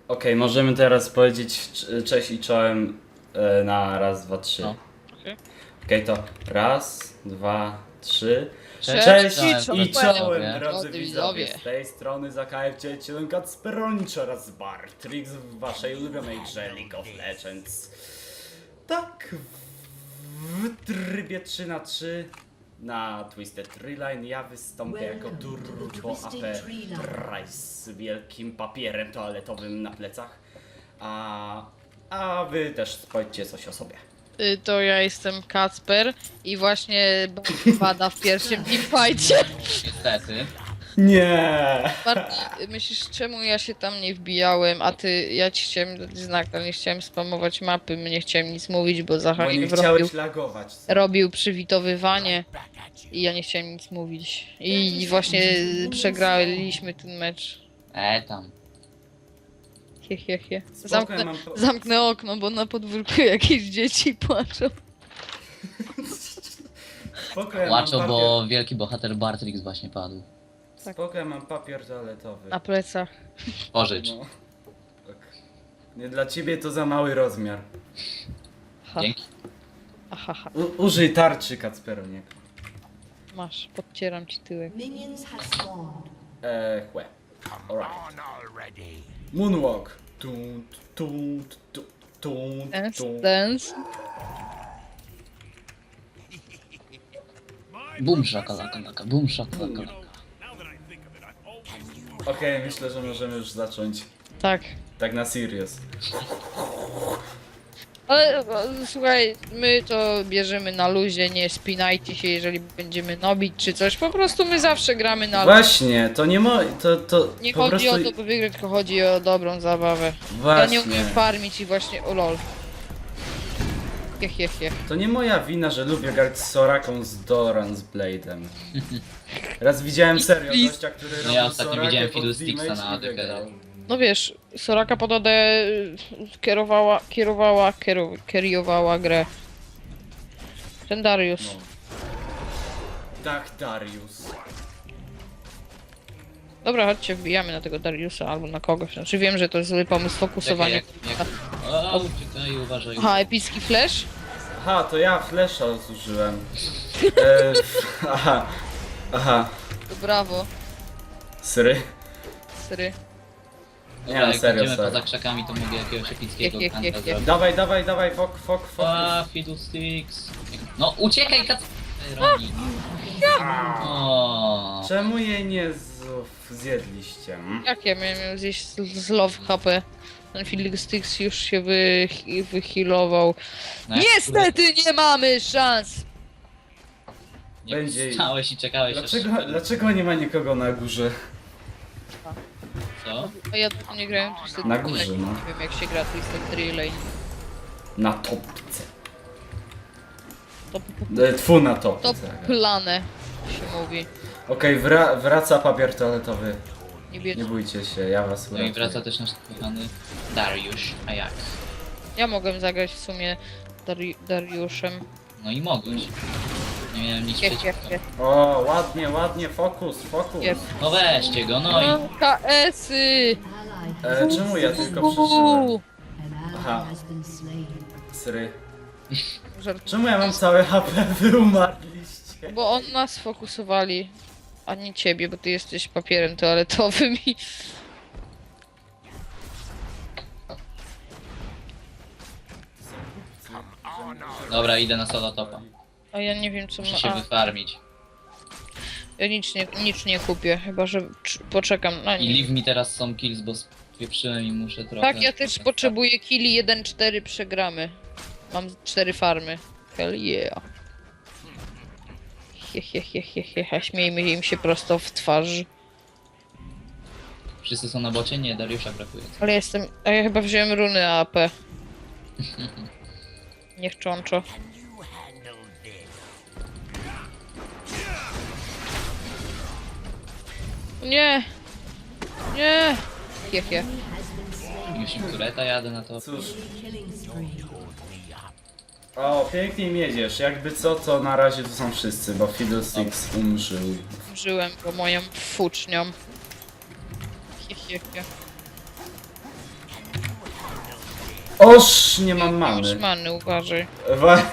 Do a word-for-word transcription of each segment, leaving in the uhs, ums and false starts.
Okej, możemy teraz powiedzieć c- cześć i czołem e, na raz, dwa, trzy. No. Okej, Okej. to raz, dwa, trzy. Cześć, Cześć, cześć, i czołem. czołem, Widzowie. drodzy Drodzy widzowie. widzowie. Z tej strony za K F dziewięć Kacperonicz oraz Bartrix w waszej ulubionej grze League of Legends. Tak, w trybie trzy na trzy na Twisted Tree Line ja wystąpię jako Turbo A P Price z wielkim papierem toaletowym na plecach. A, a wy też powiedzcie coś o sobie. Y, To ja jestem Kacper i właśnie pada w pierwszym teamfightie. Niestety. Nie. Bartek, myślisz, czemu ja się tam nie wbijałem, a ty, ja ci chciałem dać znak, ale nie chciałem spamować mapy, nie chciałem nic mówić, bo Bo Zachar nie robił, chciałeś lagować. robił przywitowywanie i ja nie chciałem nic mówić. I właśnie przegraliśmy ten mecz. E tam. He, he, he. Spoko, Zamknę, ja mam po- zamknę okno, bo na podwórku jakieś dzieci płaczą. Spoko, ja mam Płaczą, papier... bo wielki bohater Bartrix właśnie padł. Spoko, ja mam papier toaletowy. Na plecach. Pożycz. No. Tak. Nie dla ciebie to za mały rozmiar. Ha, Dzięki. aha, ha. U użyj tarczy, Kacperoniek. Masz, podcieram ci tyłek. Minions have spawned. Eee, chłe. Alright. Moonwalk. Tunt, tunt, tunt, tunt, Dance, tunt. dance. Bum szakalaka laka, bum szakalaka laka. Okej, myślę, że możemy już zacząć. Tak. Tak na serious. Ale o, słuchaj, my to bierzemy na luzie, nie spinajcie się, jeżeli będziemy nobić czy coś. Po prostu my zawsze gramy na luzie. Właśnie, to nie mo... to, to Nie po chodzi prostu... o to, by wygrać, tylko chodzi o dobrą zabawę. Ja Właśnie. nie umiem farmić i właśnie, o lol. Jech, jech, jech. To nie moja wina, że lubię grać z Soraką z Doran z Blade'em. Raz widziałem serio Please. gościa, który No robił ja ostatnio Sorakę widziałem pod Fiddlesticksa damage na i A D K. wygrał. No wiesz, Soraka pod A D y, kierowała, kierowała, kieru, kierowała grę. Ten Darius. No. Tak, Darius. Dobra, chodźcie, wbijamy na tego Dariusa albo na kogoś. Znaczy wiem, że to jest zły pomysł Czekaj, fokusowanie. jak, jak... O, uciekaj, uważaj. Aha, epicki flash? Aha, to ja flesza zużyłem. E, aha, aha, To brawo, sry. sry. Dobra, Nie, no jak serio, będziemy serio. poza krzakami, to mogę jakiegoś epickiego Jech, jech, kanta jech, jech. zrobić. Dawaj, dawaj, dawaj, fok, fok, fok. A, Fiddlesticks. No, uciekaj, kat... Roni. O. Czemu jej nie z- zjedliście? mm? Jak ja miałem zjeść z, z love H P? Ten Fiddlesticks już się wy, wyhealował. No, jak Niestety nie mamy szans! Nie Będzie- stałeś i czekałeś Dlaczego, aż... dlaczego nie ma nikogo na górze? Co? A ja tu nie grałem Twisted Na Tree górze, Lane. no. Nie wiem jak się gra Twisted Tree Lane. Na topce. To, to, E, Tfu, na to topce. plane się mówi. Okej, wra wraca papier toaletowy. Nie bierz. Nie bójcie się, ja was No i uratuję. wraca też nasz kochany Dariusz, a jak? Ja mogłem zagrać w sumie Dari Dariuszem. No i mogłeś. Nie miałem nic Jech, przeciwko. jech, jech. O, ładnie, ładnie, fokus, fokus. Jech. No weźcie go, no i... No, K S-y! E, czemu ja tylko przeżyłem? An ally Aha. has been slain. Sry. Żart. Czemu ja mam całe H P? Wy umarliście. Bo on nas sfokusowali, a nie ciebie, bo ty jesteś papierem toaletowym i... Dobra, idę na solo topa. A ja nie wiem co ma... Muszę się A, wyfarmić. ja nic nie, nic nie kupię, chyba że cz- poczekam na I nie. leave mi teraz są kills, bo spieprzyłem i muszę trochę... Tak, ja też potrzebuję killi jeden cztery przegramy. Mam cztery farmy. Hell yeah. He, he, he, he, he, he. Śmiejmy im się prosto w twarz. Wszyscy są na bocie? Nie, Dariusza brakuje. Ale jestem... A ja chyba wziąłem runy A P. Niechczączo. Nie! Nie! Hie, hie. Już im tureta jadę na to. Cóż, Killing spree. o, pięknie miedziesz. Jakby co, to na razie tu są wszyscy, bo Fiddlesticks umrzył. Żyłem go moją fucznią. Hie, hie, hie. Oż, nie mam Masz many. many, uważaj. Wa-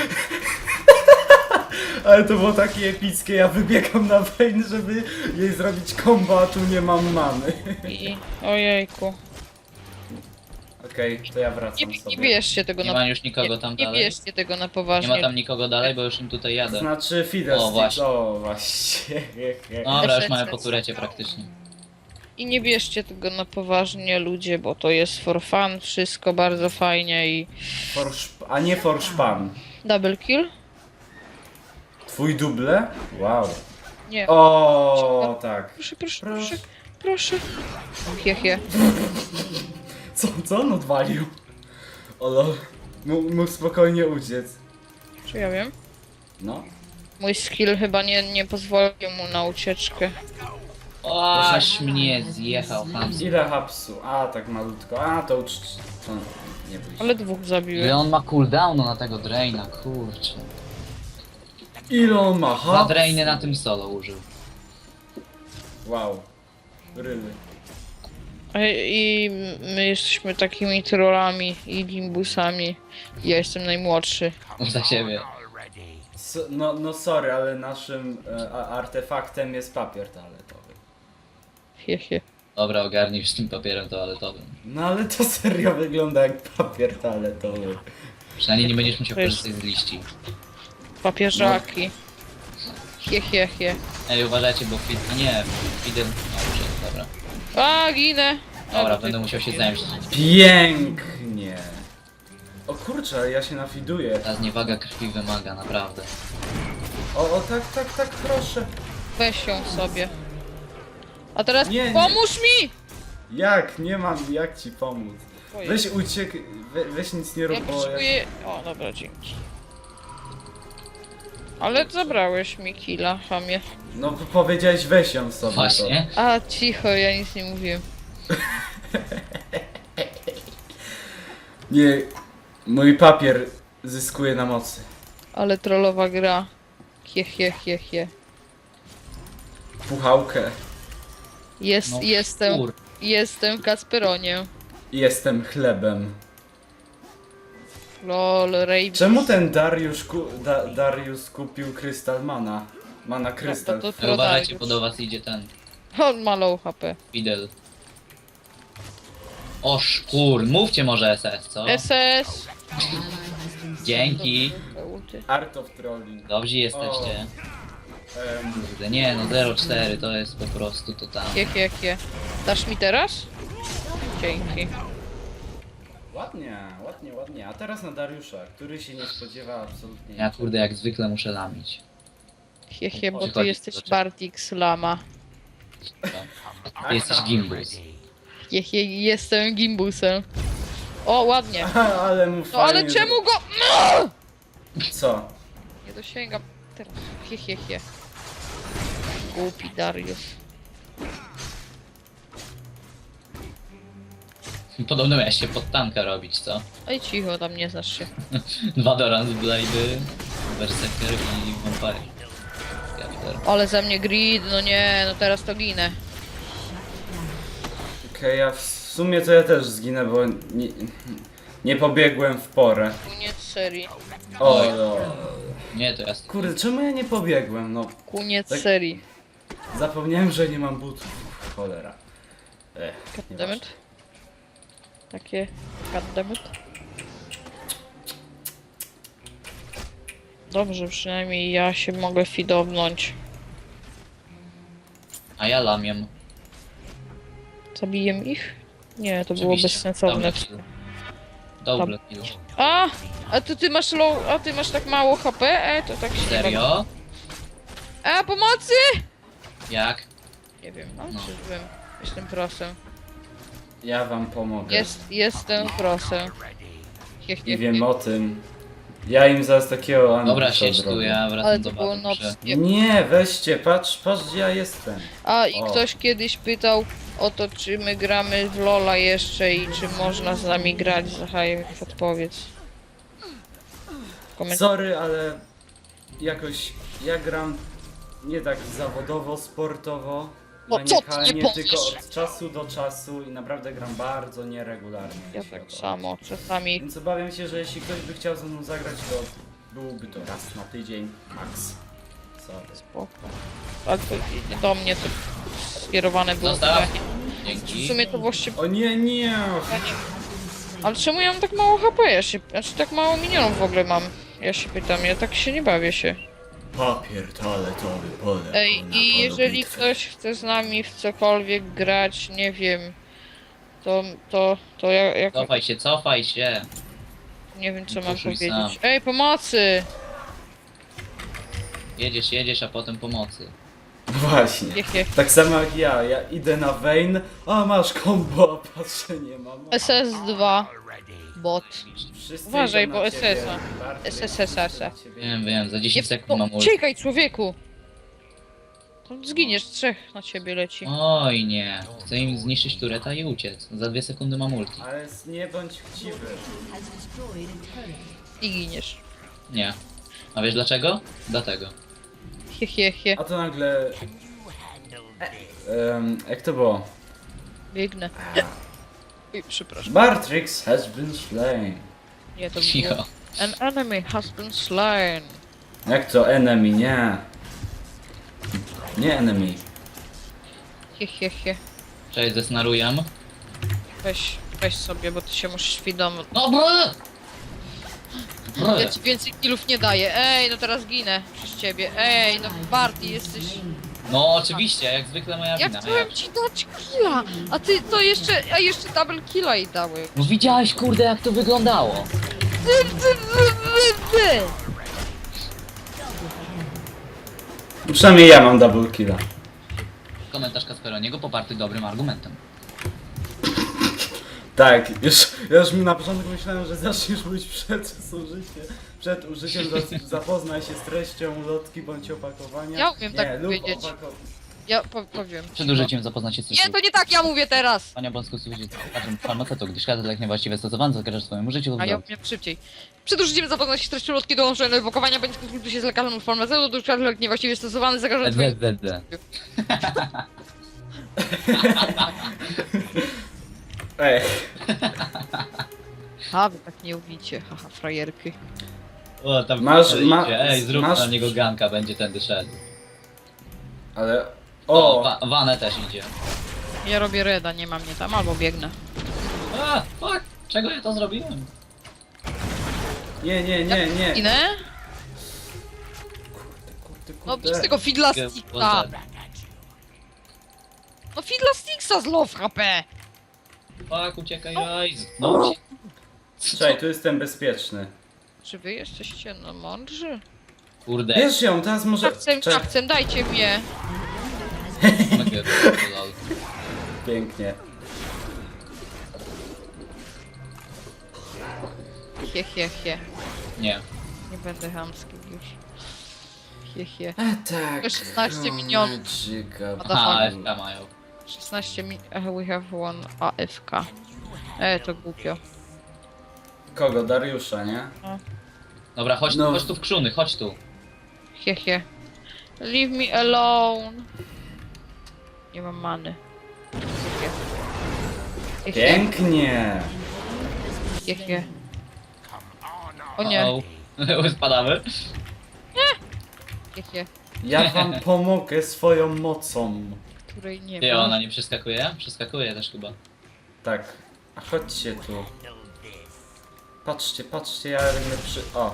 Ale to było takie epickie, ja wybiegam na Vayne, żeby jej zrobić combo, a tu nie mam many. I... Ojejku. Okej, to ja Nie, wracam nie sobie. bierzcie tego Nie na... ma już nikogo tam Nie dalej. bierzcie tego na Nie poważnie. ma tam nikogo dalej, bo już im tutaj jadę. Znaczy Fiddlesticks, O, właśnie. o właśnie. Dobra, już mamy po turecie praktycznie. I nie bierzcie tego na poważnie, ludzie, bo to jest for fun, wszystko bardzo fajnie i... For szp- a nie for szpan. Double kill? Twój duble? Wow. Nie. O, tak. Proszę, proszę, Proszę. proszę, proszę. Hie, hie. Co, co on odwalił? Olo, mógł, mógł spokojnie uciec. Czy ja wiem? No. Mój skill chyba nie, nie pozwolił mu na ucieczkę. O, aż mnie zjechał Hans. Ile hapsu? A, tak malutko. A, to ucz... To nie bój się. Ale dwóch Ile zabiłem. on ma cooldownu na tego Draina, kurczę. Ile on ma Dwa hapsu? Drainy na tym solo użył. Wow. Ryly. A- I my jesteśmy takimi trollami i limbusami. Ja jestem najmłodszy. Za siebie. So, no, no sorry, ale naszym e, a- artefaktem jest papier toaletowy. Hie, hie. Dobra, ogarnij już z tym papierem toaletowym. No ale to serio wygląda jak papier toaletowy. Przynajmniej nie będziesz musiał To jest- korzystać z liści. Papieżaki. Hie, hie, hie. Ej, uważajcie, bo Fid... A nie, Fidel... No, użył, dobra. A, ginę! Dobra, A, będę musiał się zemścić. Pięknie. O kurczę, ja się nafiduję. Ta zniewaga krwi wymaga, naprawdę. O, o tak, tak, tak, proszę. Weź ją sobie. A teraz Nie, nie. pomóż mi! Jak? Nie mam jak ci pomóc. Ojej. Weź uciek, we, weź nic nie Ja rób, bo jak... potrzebuję... O, dobra, dzięki. Ale zabrałeś mi killa, chamie. No p- powiedziałeś weź ją sobie. Właśnie. A, cicho, ja nic nie mówiłem. To. Nie, mój papier zyskuje na mocy. Ale trollowa gra. Hie, hie, hie, hie. Puchałkę. Jest, No, jestem, kur... jestem Kasperoniem. Jestem chlebem. Lol, Ray. Czemu ten Dariusz, ku, da, Darius kupił krystal mana? Mana krystal. No, to- to- Ej, uważajcie, Dariusz. bo do was idzie ten On ma low H P. Fidel. O szkur, mówcie może S S, co? S S. Dzięki. Art of Trolling. Dobrzy jesteście. Em, Kurde, nie no, zero cztery to jest po prostu to tam. Hie, hie, hie. Dasz mi teraz? Dzięki. ładnie, ładnie, ładnie. A teraz na Dariusza, który się nie spodziewa absolutnie Ja kurde, jak zwykle muszę lamić. Hie, hie, bo ty Przychodzi jesteś do czego. Bartix Lama. Ty jesteś gimbus. Hie, hie, jestem gimbusem. O, ładnie. Aha, ale mu No ale fajnie czemu go... zro- Co? Nie dosięgam. Teraz. Hie, hie, hie. Głupi Darius. Podobno miałeś się pod tanka robić, co? Oj, cicho, tam nie znasz się. Dwa Dorans Blade'y, Berserker i Vampire. Scepter. Ale za mnie grid, no nie, no teraz to ginę. Okej, ja w sumie to ja też zginę, bo nie, nie pobiegłem w porę. Koniec serii. O, Oj. no. Nie, to ja... Kurde, czemu ja nie pobiegłem? No, Koniec Tak. serii. zapomniałem, że nie mam butów. Cholera. Ech, nieważne. Goddammit. Takie... Goddammit. Dobrze, przynajmniej ja się mogę fidownąć. A ja lamiem. Zabiję ich? Nie, to było Oczywiście. bezsensowne. Double kill. Double kill. A! A to ty masz low... A ty masz tak mało H P? E, to tak się nie bawi. Serio? A, pomocy! Jak? Nie wiem, no, No. czy byłem. Jestem prosem. Ja wam pomogę. Jest, jestem prosem. Hie, hie, I wiem hie. o tym. Ja im zaraz takiego Dobra, ambusa siedź tu, zrobię. ja Ale wracam to do było bazy. muszę- nocnie. Nie, weźcie, patrz, patrz gdzie ja jestem. A i O. ktoś kiedyś pytał o to, czy my gramy w Lola jeszcze i czy można z nami grać. Zachaj, odpowiedz. Koment- Sorry, ale jakoś ja gram nie tak zawodowo, sportowo O, co ty nie Maniakalnie, tylko powiesz? od czasu do czasu i naprawdę gram bardzo nieregularnie. Ja jeśli o tak to samo, czasami. Więc obawiam się, że jeśli ktoś by chciał ze mną zagrać, to byłby to raz na tydzień, max. Sorry. Spoko. Ale to nie do mnie to skierowane było. Zostaw. pytanie. W Dzięki. sumie to właściwie... O nie, nie! Ale czemu ja mam tak mało H P? Ja się... Znaczy tak mało minionów w ogóle mam. Ja się pytam, ja tak się nie bawię się. Papier toaletowy pole. Ej, i jeżeli ktoś chce z nami w cokolwiek grać, nie wiem, to, to, to ja, jak, Cofaj się, cofaj się. nie wiem co mam Poszuj powiedzieć. sam. Ej, pomocy! Jedziesz, jedziesz, a potem pomocy. Właśnie. Jech, jech. Tak samo jak ja, ja idę na Vayne, a masz combo, a patrzę, nie mam. S S dwa. Bot. Wszyscy Uważaj, idą na bo ciebie. S S a. Bartek, S S S a. idą na ciebie. Wiem, wiem, za Nie, dziesięć sekund mam ult. uciekaj człowieku! To zginiesz, trzech na ciebie leci. Oj nie, chcę im zniszczyć tureta i uciec. Za dwie sekundy mam ulti. Ale nie bądź chciwy. Has destroyed a turret. I giniesz. Nie. A wiesz dlaczego? Dlatego. He, he, he. A to nagle... Um, jak to było? Biegnę. Oj, przepraszam. Bartrix has been slain. Nie, to Cicho. było. An enemy has been slain. Jak to enemy? Nie. Nie enemy. He, he, he. Cześć, zesnaruję. Weź, weź sobie, bo ty się musisz świadomo. No bro! Bro! Ja ci więcej killów nie daję. Ej, no teraz ginę przez ciebie. Ej, no Barty, jesteś... No oczywiście, jak zwykle moja Ja wina. chciałem ci dać killa, a ty to jeszcze, a jeszcze double killa i dały. No widziałeś kurde jak to wyglądało. Przynajmniej ja mam double killa. Komentarz Kasperoniego poparty dobrym argumentem. Tak, już, ja już na początku myślałem, że zaczniesz mówić przed użyciem, przed użyciem za- zapoznaj się z treścią ulotki bądź opakowania. Ja umiem nie, tak lub powiedzieć. opako- Ja po, powiem. Przed użyciem zapoznać się z Nie, to nie tak ja mówię teraz! Pania Bąsku służy każdym farmaceutu, gdyż każdy lek niewłaściwie stosowany zagraża swojemu życiu lub A ja zdrowiu. umiem szybciej. Przed użyciem zapoznać się z treścią lotki dołączone do ewakuowania, bądź konsultuj się z lekarzem lub farmaceutą, gdyż każdy lek niewłaściwie stosowany zagraża twojemu... Zdd. Ej, A, wy tak nie ubicie, haha, frajerki. O, tam Masz- idzie. ma- Ej, zrób masz- na niego ganka, będzie tędy szedł. ale... O, O! wa Wanę też idzie. Ja robię reda, nie mam mnie tam, albo biegnę. A, fuck! Czego ja to zrobiłem? Nie, nie, nie, nie! Inę? Kurde, No kurde. bez tego Fidla Sticksa! No Fidla Sticksa z low H P! Fuck, uciekaj, aj! No uciekaj. Czekaj, tu jestem bezpieczny. Czy wy jesteście no mądrzy? Kurde. Bierz ją, teraz może... Kapcem, Czekaj, kapcem, dajcie mnie! pięknie. Hie, hie, hie. Nie. Nie będę hamski już. Hie, hie. E, tak. szesnaście minionów. Magica. Aha, F K mają. szesnaście mi... eh, we have one A F K. E, to głupio. Kogo? Dariusza, nie? Dobra, chodź tu, No. chodź tu w krzuny, chodź tu. Hie, hie. Leave me alone. Nie mam many. Hie, hie. Hie, hie. Pięknie! Hie, hie. O nie. O, spadamy. Hie, hie. Ja wam pomogę swoją mocą. Której nie Ty, ma. ona nie przeskakuje? Przeskakuje też chyba. Tak. A chodźcie tu. Patrzcie, patrzcie, ja będę przy... O!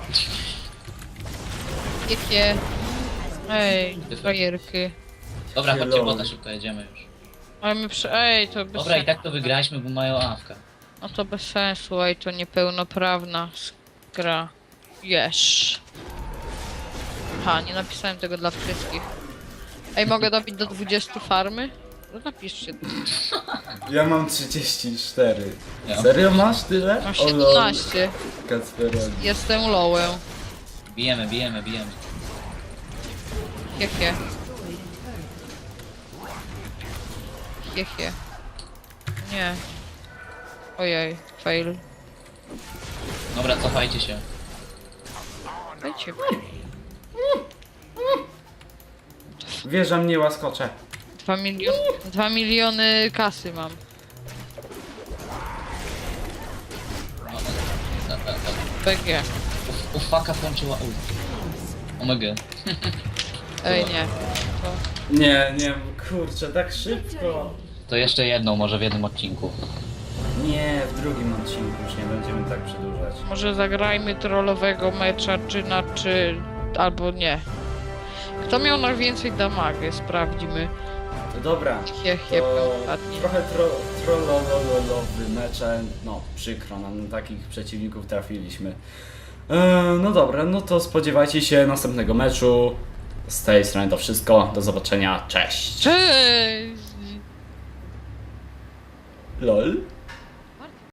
Hie, hie. Ej, frajerky. Dobra, chodźcie, Hello. bota, szybko jedziemy już. Ale my przy... Ej, to bez Dobra, i sensu. tak to wygraliśmy, bo mają awka. No to bez sensu, ej, to niepełnoprawna gra. Yes. Ha, nie napisałem tego dla wszystkich. Ej, mogę dobić do dwudziestu farmy? No napiszcie. Ja mam trzydzieści cztery. Ja. Serio masz tyle? Mam O lol, siedemnaście. Kacperoni. Jestem lowem. Bijemy, bijemy, bijemy. Hie, hie. Hie, hie. Nie. Ojej, fail. Dobra, cofajcie się. Dajcie mi. Wieża mnie łaskocze. Dwa miliony, dwa miliony kasy mam. B G. U faka włączyła ult. Omega. Ej, nie. To... Nie, nie, kurczę, tak szybko. To jeszcze jedną, może w jednym odcinku. Nie, w drugim odcinku już nie będziemy tak przedłużać. Może zagrajmy trollowego mecza, czy na czy... albo nie. Kto miał najwięcej damage? Sprawdzimy. To dobra, Hiech, hiech, to ostatni. trochę tro, trollololowy mecze, no przykro nam, na takich przeciwników trafiliśmy. E, no dobra, no to spodziewajcie się następnego meczu. Z tej strony to wszystko, do zobaczenia, cześć! Cześć! LOL.